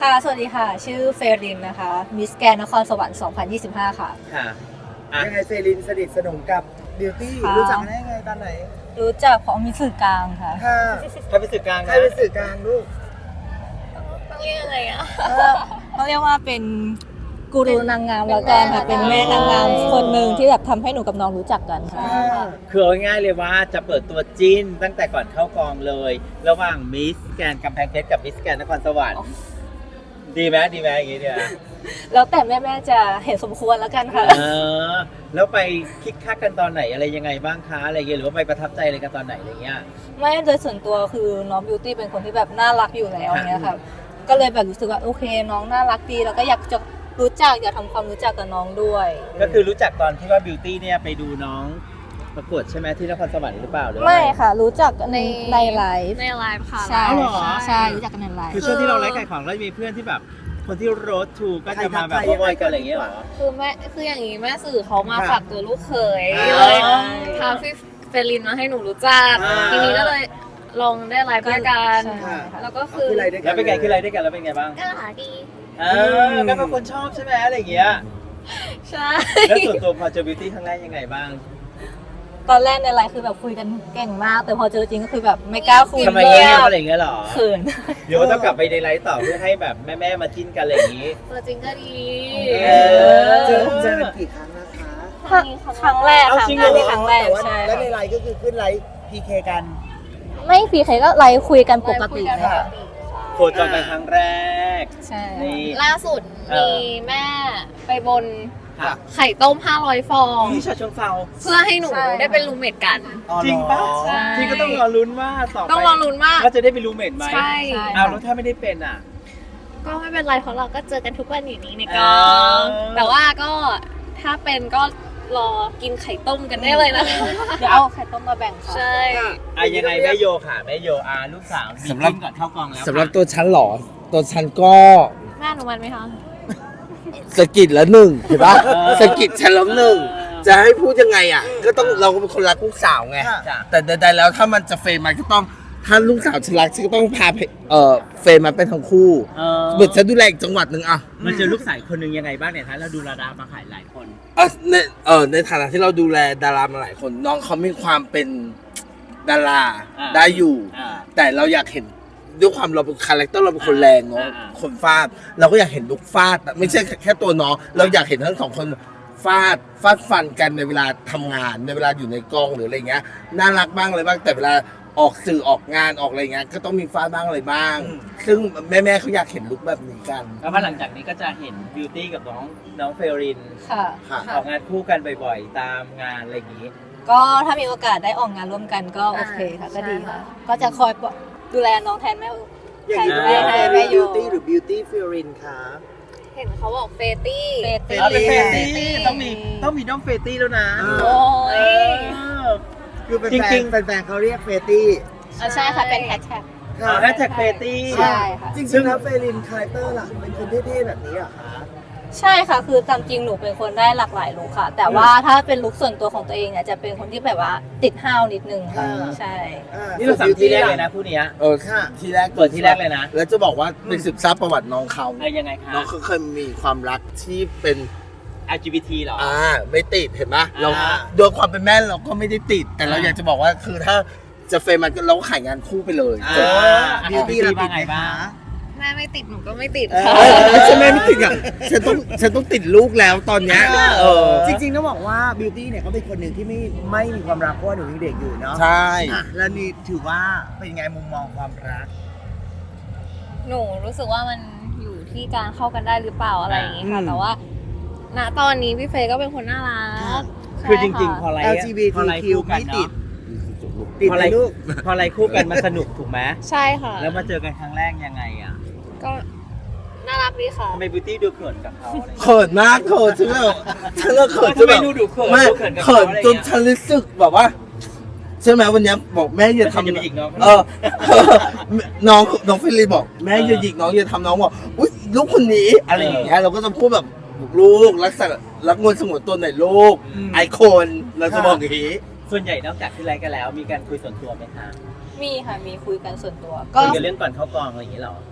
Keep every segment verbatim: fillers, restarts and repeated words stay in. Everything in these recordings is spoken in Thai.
ค่ะสวัสดีค่ะชื่อเฟรินนะคะมิสแกนนครสวรรค์สองพันยี่สิบห้าค่ะค่ะยังไงเฟรินสนิทสนมกับบิวตี้รู้จักกันได้ยังไงตอนไหนรู้จักของมีสื่อกลางค่ะค่ะใครเป็นสื่อกลางใครนะเป็นสื่อกลางลูกต้องเรียกอะไรอ่ะต้องเรียกว่าเป็นกูรูนางงามแล้วกันค่ะเป็นแม่นางงามคนหนึ่งที่แบบทำให้หนูกับน้องรู้จักกันค่ะคือเอาง่ายๆเลยว่าจะเปิดตัวจิ้นตั้งแต่ก่อนเข้ากองเลย ระหว่างมิสแกนกำแพงเพชรกับมิสแกนนครสวรรค์ดีไหมดีไหมอย่างงี้เนี่ยแล้วแต่แม่ๆจะเห็นสมควรแล้วกันค่ะเออแล้วไปคิกคักกันตอนไหนอะไรยังไงบ้างคะอะไรเงี้ยหรือว่าไปประทับใจอะไรกันตอนไหนอะไรเงี้ยไม่โดยส่วนตัวคือน้องบิวตี้เป็นคนที่แบบน่ารักอยู่แล้วเนี้ยค่ะก็เลยแบบรู้สึกว่าโอเคน้องน่ารักดีแล้วก็อยากจะรู้จักอยากทำความรู้จักกับน้องด้วยก็คือรู้จักตอนที่ว่าบิวตี้เนี่ยไปดูน้องประกวดใช่ไหมที่นครสวรรค์หรือเปล่าหรือว่าไม่ค่ะรู้จักในในไลฟ์ในไลฟ์ค่ะใช่อ๋อเหรอใช่รู้จักกันในไลฟ์คือช่วงที่เราไลฟ์ขายของแล้วมีเพื่อนที่แบบคนที่โรดทูก็จะมาแบบบอยกันอะไรอย่างเงี้ยเหรอคือแม่คืออย่างนี้แม่สื่อเขามาฝากตัวลูกเขยอ่าเลยพาพี่เฟลินมาให้หนูรู้จักอ่าทีนี้ก็เลยลองได้ไลฟ์ด้วยกันใช่ค่ะแล้วก็คือคืออะไรด้วยกัแล้วเป็นไงคืออะไรด้วยกันแล้วเป็นไงบ้างก็หาดีเออก็เป็นคนชอบใช่ไหมอะไรอย่างเงี้ยใช่แล้วส่วนตัวพอเจอบิวตี้ครั้งแรกยังไงบ้างตอนแรกในไลฟ์คือแบบคุยกันเก่งมาก แต่พอเจอจริงก็คือแบบไม่กล้าคุยทำไมเลเงี้ยยอะไรอย่างเงี้ยเหรอเขินเดี๋ยวต้องกลับไปในไลฟ์ต่อเพื่อให้แบบแม่ๆมาจิ้นกันอะไรอย่างงี้ตัวจริงก็ดีเออเจอเจอกันกี่ครั้งนะคะครั้งครั้งแรกเอาค่ะจริงเหรองานนี้ครั้งแรกแต่ว่าใช่แล้วในไลน์ก็คือขึ้นไลน์พีเคกันไม่ฟีใครก็ไลฟ์คุยกันปกติไลฟ์คุยกันเลยค่ะปกติโคจรกันครั้งแรกใช่นี่ล่าสุดเอมีอแม่ไปบนค่ะไข่ต้มห้าร้อยฟองที่ชาชงเซาเพื่อให้หนูได้เป็นรูมเมทกันจริงปะใช่ที่ก็ต้องรอลุ้นว่าต่อไปต้องรอลุ้นมากว่าจะได้เป็นรูมเมทไหมใช่อ้าวแล้วถ้าไม่ได้เป็นอ่ะก็ไม่เป็นไรเพราะเราก็เจอกันทุกวันอยู่นี้ในกอ่าองแต่ว่าก็ถ้าเป็นก็รอกินไข่ต้มกันได้เลยนะคะเดี๋ยวเอาไข่ต้มมาแบ่งค่ะใช่อ่ะยังไงแม่โยค่ะแม่โยอาลูกสาวมีสำหรับจิ้นก่อนเข้ากองแล้วสำหรับค่ะตัวฉันเหรอ ตัวฉันก็แม่หนูมันไหมคะสะกิดแล้วหนึ่งเห็นปะสะกิดฉันแล้วหนึ่งจะให้พูดยังไงอ่ะ ก็ต้องเราก็เป็นคนรักลูกสาวไงจ้ะแต่ใดๆแล้วถ้ามันจะเฟรมมันก็ต้องถ้าลูกสาวฉันรักฉันก็ต้องพาไปเออเฟรมมาเป็นทั้งคู่เออเหมือนฉันดูแลอีกจังหวัดหนึ่งอ่ะมันเจอลูกสาวคนหนึ่งยังไงบ้างเนี่ยท่านเราดูระดามาขายหลายคนเออในเออในฐานะที่เราดูแลดารามาหลายคน น้องเขามีความเป็นดาราอ่าได้อยู่อ่าแต่เราอยากเห็นด้วยความเราเป็นคาแรคเตอร์เราเป็นคนแรงเนาะอ่าอ่าคนฟาดเราก็อยากเห็นลุกฟาดไม่ใช่แค่ตัวน้องเราอยากเห็นทั้งสองคนฟาดฟาดฟันกันในเวลาทำงานในเวลาอยู่ในกองหรืออะไรเงี้ยน่ารักบ้างอะไรบ้างแต่เวลาออกสื่อออกงานออกอะไรเงี้ยก็ต้องมีฟาดบ้างอะไรบ้าง ซึ่งแม่ๆเขาอยากเห็นลุกแบบนี้กันแล้วพอหลังจากนี้ก็จะเห็นบิวตี้กับน้องน้องเฟรรินค่ะค่ะออกงานคู่กันบ่อยๆ ตามงานอะไรอย่างงี้ก็ถ้ามีโอกาสได้ออกงานร่วมกันก็โอเคค่ะก็ดีค่ะ ก็จะคอยดูแลน้องแทนแม่อย่างนี้ใครเรียกแม่แม่แม่โยบิวตี้หรือบิวตี้ฟิรินคะเห็นเขาบอกเฟตี้เฟตี้เอาเป็นเฟรเฟรตี้ต้องมีต้องมีน้องเฟรตี้แล้วนะโอ้ยเออคือเป็นจแฟรินงๆแฟนๆเขาเรียกเฟตี้อ่ะใช่ค่ะเป็นแฮชแท็กเอาแฮชแท็กเฟรตี้ใช่ค่ะจริงๆแล้วเฟรินคาแรคเตอร์ล่ะเป็นคนเท่ๆแบบนี้เหรอคะใช่ค่ะ คือตามจริงหนูเป็นคนได้หลากหลายลุคค่ะ แต่ว่าถ้าเป็นลุคส่วนตัวของตัวเองเนี่ยจะเป็นคนที่แบบว่าติดห้าวนิดนึงค่ะอ่าใช่อ่านี่เราสั่งที่แรกเลยนะผู้เนี้ยเออค่ะทีแรกเปิดที่แรกเลยนะแล้วจะบอกว่าเป็นศึกษาประวัติน้องเขาอะไรยังไงคะน้องเขาเคยมีความรักที่เป็นแอล จี บี ที เหรออ่าไม่ติดเห็นไหมเราอ่าโดยความเป็นแม่เราก็ไม่ได้ติด แต่เราอ่าอยากจะบอกว่าคือถ้าจะเฟรมมันก็เราก็ขายงานคู่ไปเลยอ่าจบบิวตี้เราติดว่าไงบ้างแม่ไม่ติดหนูก็ไม่ติดเออค่ะใช่ไหมไม่ติดอ่ะฉันต้องฉันต้องติดลูกแล้วตอนเนี้ยเออจริงๆต้องบอกว่าบิวตี้เนี่ยเขาเป็นคนหนึ่งที่ไม่ไม่มีความรักเพราะว่าหนูยังเด็กอยู่เนาะใช่อ่ะแล้วนี่ถือว่าเป็นไงมุมมองความรักหนูรู้สึกว่ามันอยู่ที่การเข้ากันได้หรือเปล่าอะไรอย่างงี้ค่ะอืมแต่ว่า ณตอนนี้พี่เฟย์ก็เป็นคนน่ารักคือจริงใช่ๆ พอค่ะอะไรแอล จี บีพอทีอะไรคิวคู่กันไม่ติดเนาะติดพอไหอะไรมลูกพออะไรคู่กันมันสนุกถูกไหมใช่ค่ะแล้วมาเจอกันครั้งแรกยังไงอ่ะก็น่ารักดีค่ะทำไมบิวตี้ดูเขินกับเขาอะไรอย่างเงี้ยเขินมากเขินฉันแบบฉันก็เขินจทำนไมแบบดูดูเขินไม่ดูเขินกับเขินเขาอะไรจนฉันรู้สึกแบบว่าใช่ไหมวันเนี้ยบอกแม่อย่าทำจะทำไปอีกน้องเออ น้องน้องฟิลิปบอกแม่อย่าหยิกน้องอย่าทำน้องบอกอุ้ยลูกคนนี้อะไรอย่างเงี้ยเราก็จะพูดแบบลูกรักษารักงวนสงวนตัวหน่อยลูกไอคนเราจะบอกอย่างนี้ส่วนใหญ่นอกจากที่ไลฟ์กันแล้ว มีการคุยส่วนตัวไหมคะมีค่ะมีคุยกันส่วนตัว ก็คุยกันเรื่องก่อนเข้ากองอะไรอย่างเงี้ยเหรอ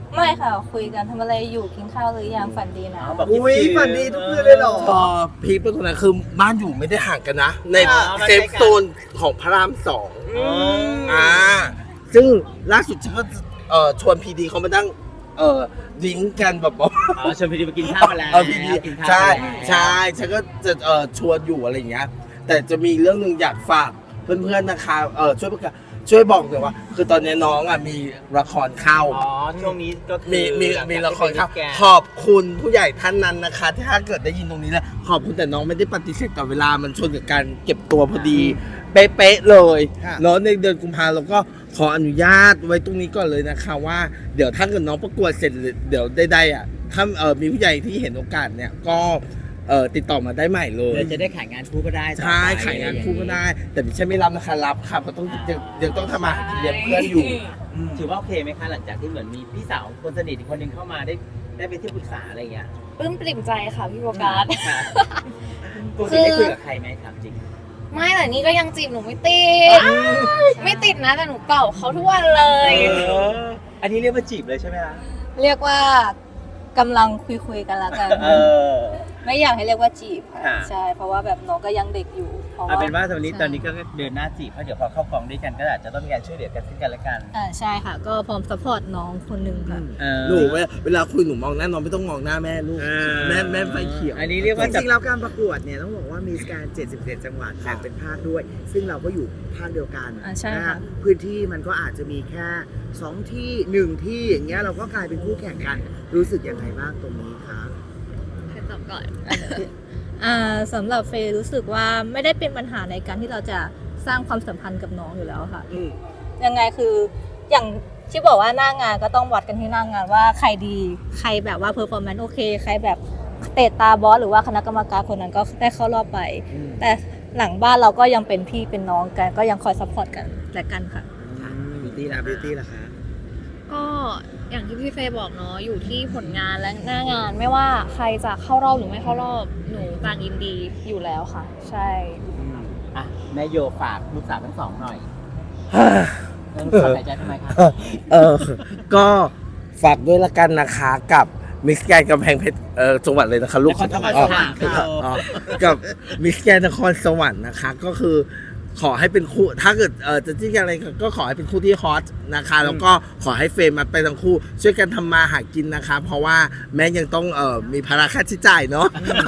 ไม่ค่ะคุยกันทำอะไรอยู่กินข้าวหรือยังฝันดีนะอ๋อแบบอุ้ยฝันดีทุกคืนเลยเหรอพอพีคเป็นคนนั้นคือบ้านอยู่ไม่ได้ห่างกันนะ ในอ๋อมันเซใกล้ฟกันโซนของพระรามสองอ๋ออ่าซึ่งล่าสุดฉันก็เอ่อชวนพีดีเขามานั่งเอ่อดิ้งกันแบบว่าอ๋อชวนพีดีไปกินข้าวมาแล้วเออพีดีกินข้าวใช่มาแล้วใช่ฉันก็จะเอ่อชวนอยู่อะไรอย่างเงี้ย แต่จะมีเรื่องหนึ่งอยากฝากเพื่อนๆนะคะเออช่วยประกาศช่วยบอกหน่อยว่า คือตอนนี้น้องอ่ะมีละครเข้าอ๋อช่วงนี้ก็คือมีมีหลังจากมีละครครับที่เป็นขอบคุณผู้ใหญ่ท่านนั้นนะคะ ที่ถ้าเกิดได้ยินตรงนี้แล้วขอบคุณแต่น้องไม่ได้ปฏิเสธต่อเวลามันชนกับการเก็บตัวพอดี เป๊ะๆเลยค่ะเนาะในเดือนกุมภาเราก็ขออนุญาตไว้ตรงนี้ก่อนเลยนะคะว่าเดี๋ยวถ้าเกิดน้องประกวดเสร็จหรือเดี๋ยวได้ๆอ่ะถ้าเออมีผู้ใหญ่ที่เห็นโอกาสเนี่ยก็เออติดต่อมาได้ใหม่เลยเดี๋ยวจะได้ขายงานคู่ก็ได้ต่อไปใช่ขายงานคู่ก็ได้ แต่ไม่ใช่ไม่รับนะคะรับค่ะเพราะต้องยังยังต้องทำมาหากินเลี้ยงเพื่อนอยู่ถือว่าโอเคไหมคะหลังจากที่เหมือนมีพี่สาวคนสนิทอีกคนหนึงเข้ามาได้ได้เป็นที่ปรึกษาอะไรอย่างเงี้ยปลื้มปริ่มใจค่ะพี่โบกัสค่ะปกติได้คุยกับใครไหมถามจริงไม่แต่นี่ก็ยังจีบหนูไม่ติด ไม่ติดนะแต่หนูเป่าเขาทุกวันเลยเอออันนี้เรียกว่าจีบเลยใช่ไหมคะเรียกว่ากำลังคุยคุยๆกันละกันเออไม่อยากให้เรียกว่าจีบค่ะค่ะใช่เพราะว่าแบบน้องก็ยังเด็กอยู่เพราะเอาว่าเป็นว่าตอนนี้ใช่ตอนนี้ก็เดินหน้าจีบเพราะเดี๋ยวพอเข้ากองด้วยกันก็อาจจะต้องมีการช่วยเหลือกันซึ่งกันและกันอ่าใช่ค่ะ ก็พร้อมซัพพอร์ตน้องคนหนึ่งค่ะเออหนูเวลาเวลาคุยหนูมองหน้าน้องไม่ต้องมองหน้าแม่ลูกเออแม่แม่ไฟเขียวอันนี้เรียกจว่าจับริงๆแล้วการประกวดเนี่ยต้องบอกว่ามีการเจ็ดสิบเจ็ดจังหวัดแบ่งเป็นภาคด้วย ซึ่งเราก็อยู่ภาคเดียวกันอ่าใช่นะค่ะฮะพื้นที่มันก็อาจจะมีแค่สองที่หนึ่งที่อย่างเงี้ยเราก็กลายเป็นคู่แข่งกันรู้สึกยังไงบ้างตรงนี้คะใครตอบก่อนอ่าสำหรับเฟย์รู้สึกว่าไม่ได้เป็นปัญหาในการที่เราจะสร้างความสัมพันธ์กับน้องอยู่แล้วค่ะอืมยังไงคืออย่างที่บอกว่าหน้างานก็ต้องวัดกันที่หน้างานว่าใครดีใครแบบว่าเพอร์ฟอร์แมนซ์โอเคใครแบบเตะตาบอสหรือว่าคณะกรรมการคนนั้นก็ได้เข้ารอบไป แต่หลังบ้านเราก็ยังเป็นพี่เป็นน้องกัน ก็ยังคอยซัพพอร์ตกันและกันค่ะบิวตี้ละบิวตี้ละคะก็อย่างที่พี่เฟย์บอกเนาะอยู่ที่ผลงานและหน้างานไม่ว่าใครจะเข้ารอบหรือไม่เข้ารอบหนูต่างยินดีอยู่แล้วค่ะ ใช่อ่ะแม่โยฝากลูกสาวทั้งสองหน่อยลูกสาวหายใจทำไมคะเออ ก็ฝากด้วยละกันนะคะกับมิสแกนกำแพงเพชรเออจังหวัดเลยนะคะลูกนครสวรรค์อ๋อค่ะอ๋อกับมิสแกนนครสวรรค์นะคะ ก็คือขอให้เป็นคู่ถ้าเกิดเออจะจิ้นกันอะไรก็ขอให้เป็นคู่ที่ฮอตนะคะ แล้วก็ขอให้เฟรมมาไปทั้งคู่ ช่วยกันทำมาหากินนะคะ เพราะว่าแม่ยังต้องเออมีภาระค่าใช้จ่ายเนาะ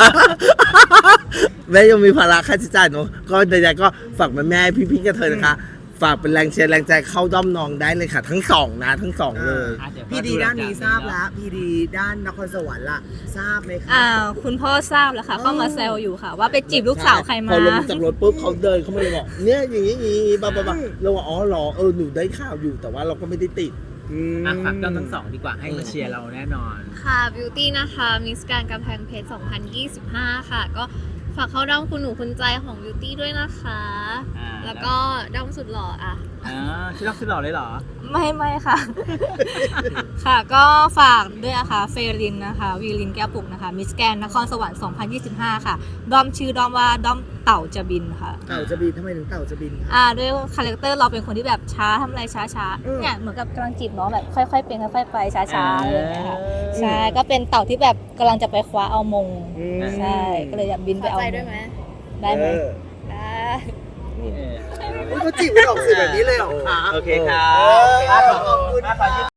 แม่ยังมีภาระค่าใช้จ่ายเนาะก็ใดๆก็ฝากแม่แม่ๆพี่ๆกันเธอนะคะ ฝากเป็นแรงเชียร์แรงใจเข้าด้อมน้องได้เลยค่ะ ทั้งสองนะทั้งสองเลยอ่ะเยวพี่ดีด้านนี้ทราบแล้วพี่ดีด้านนครสวรรค์ล่ะทราบไหมคะอ่าคุณพ่อทราบแล้วค่ะ เข้ามาแซวอยู่ค่ะ ว่าไปจีบลูกสาวใครมาพอลงจากรถปุ๊บเขาเดินเขามาเลยบอกเนี่ยอย่างนี้อย่างนี้บ้าบ้าบ้าเราว่าอ๋อเหรอเออหนูได้ข่าวอยู่แต่ว่าเราก็ไม่ได้ติดอ่ะฝากเจ้าทั้งสองดีกว่าให้มาเชียร์เราแน่นอนค่ะบิวตี้นะคะมิสการกำแพงเพชรสองพันยี่สิบห้าค่ะ ก็ฝากเข้าด้อมคุณหนูคุณใจของบิวตี้ด้วยนะคะอ่าแล้วก็ด้อมสุดหล่ออ่ะอ่าชื่อรักชื่อหล่อเลยเหรอไม่ไม่ค่ะ ค่ะก็ฝากด้วยนะคะเฟรินนะคะวีลินแก้วปุกนะคะมิสแกนนครสวรรค์สองพันยี่สิบห้าค่ะด้อมชื่อด้อมว่าด้อมเต่าจะบินค่ะเต่าจะบินทำไมถึงเต่าจะบินคะอ่าด้วยคาแรคเตอร์เราเป็นคนที่แบบช้าทำอะไรช้าช้าๆอืมเนี่ยเหมือนกับกำลังจีบน้องแบบค่อยๆเป็นค่อยๆไปช้าช้าๆอะไรอย่างเงี้ยค่ะเออใช่ก็เป็นเต่าที่แบบกำลังจะไปคว้าเอามงอืมใช่ก็เลยอยากบินพไปอเอาใจมด้วยงไหมได้ไหมเออได้เออเขาจีบไม่ออกสื่อแบบนี้เลยเหรอคะโอเคครับขอบคุณขอบคุณ